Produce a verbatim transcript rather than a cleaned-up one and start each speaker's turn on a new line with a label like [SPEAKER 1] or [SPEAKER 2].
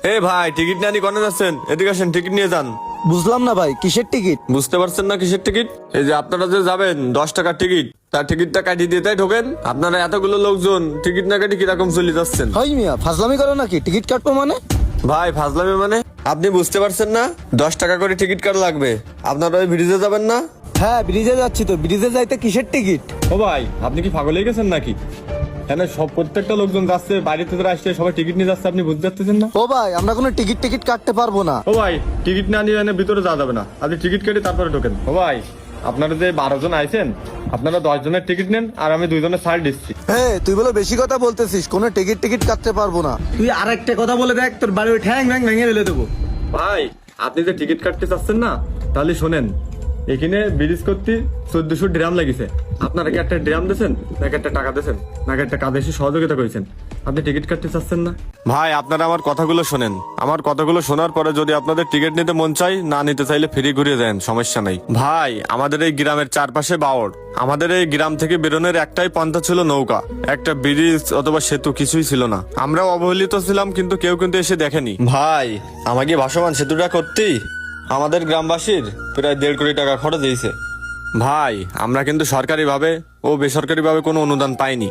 [SPEAKER 1] এ ভাই, টিকিট নিয়ে আনি কোনে যাচ্ছেন? এদিকে আসেন, টিকিট নিয়ে যান।
[SPEAKER 2] বুঝলাম না ভাই, কিসের টিকিট?
[SPEAKER 1] বুঝতে পারছেন না কিসের টিকিট? এই যে আপনারা যে যাবেন দশ টাকার টিকিট, তার টিকিটটা কাটিয়ে দিয়ে তাই ঢোকেন। আপনারা এতগুলো লোকজন টিকিট না কাটি কিরকম চলে যাচ্ছেন?
[SPEAKER 2] হাই মিয়া, ফাজলামি করো নাকি? টিকিট কাটবো মানে?
[SPEAKER 1] ভাই ফাজলামি মানে? আপনি বুঝতে পারছেন না দশ টাকা করে টিকিট কাটা লাগবে? আপনারা ওই ব্রিজে যাবেন না?
[SPEAKER 2] হ্যাঁ, ব্রিজে যাচ্ছি তো। ব্রিজে যাইতে কিসের টিকিট?
[SPEAKER 1] ও ভাই, আপনি কি পাগল হয়ে গেছেন নাকি? এখানে সব প্রত্যেকটা লোকজন যাচ্ছে, বাইরে থেকে আসছে, সবাই টিকিট নিয়ে যাচ্ছে, আপনি বুঝতে পারতেছেন না?
[SPEAKER 2] ও ভাই, আমরা কোনো টিকিট টিকিট কাটতে পারবো না।
[SPEAKER 1] ও ভাই, টিকিট না নিয়ে এনে ভিতরে যাওয়া যাবে না। আপনি টিকিট কেটে তারপরে ঢোকেন। ও ভাই, আপনারা যে বারো জন আইছেন, আপনারা দশ জনের টিকিট নেন আর আমি দুইজনের ছাড় দিচ্ছি।
[SPEAKER 2] হ্যাঁ, তুই বলে বেশি কথা বলতেছিস। কোনো টিকিট টিকিট কাটতে পারবো না। তুই আর একটা কথা বলে দেখ, তোর বাড়ি ঠ্যাং ঠ্যাং ভেঙে ফেলে দেবো।
[SPEAKER 1] ভাই, আপনি যে টিকিট কাটতে চাচ্ছেন না, তাহলে শোনেন, এখানে ব্রিজ করতে চোদ্দশো ড্রাম লাগিছে। আপনারা কি একটা ড্রাম দিয়েছেন, নাকি একটা টাকা দিয়েছেন, নাকি একটা কাজে এসে সহযোগিতা করেছেন? আপনি টিকিট কাটতে চাচ্ছেন না? ভাই, আপনারা আমার কথাগুলো শোনেন। আমার কথাগুলো শোনার পরে যদি আপনাদের টিকিট নিতে মন চাই, না নিতে চাইলে ফ্রি ঘুরিয়ে দেন, সমস্যা নাই। ভাই, আমাদের এই গ্রামের চারপাশে বাওড়। আমাদের এই গ্রাম থেকে বেরোনোর একটাই পন্থা ছিল নৌকা। একটা ব্রিজ অথবা সেতু কিছুই ছিল না। আমরাও অবহেলিত ছিলাম, কিন্তু কেউ কিন্তু এসে দেখেনি। ভাই, আমাকে ভাসমান সেতুটা করতেই আমাদের গ্রামবাসীর প্রায় দেড় কোটি টাকা খরচ হয়েছে। ভাই, আমরা কিন্তু সরকারিভাবে ও বেসরকারিভাবে কোনো অনুদান পাইনি।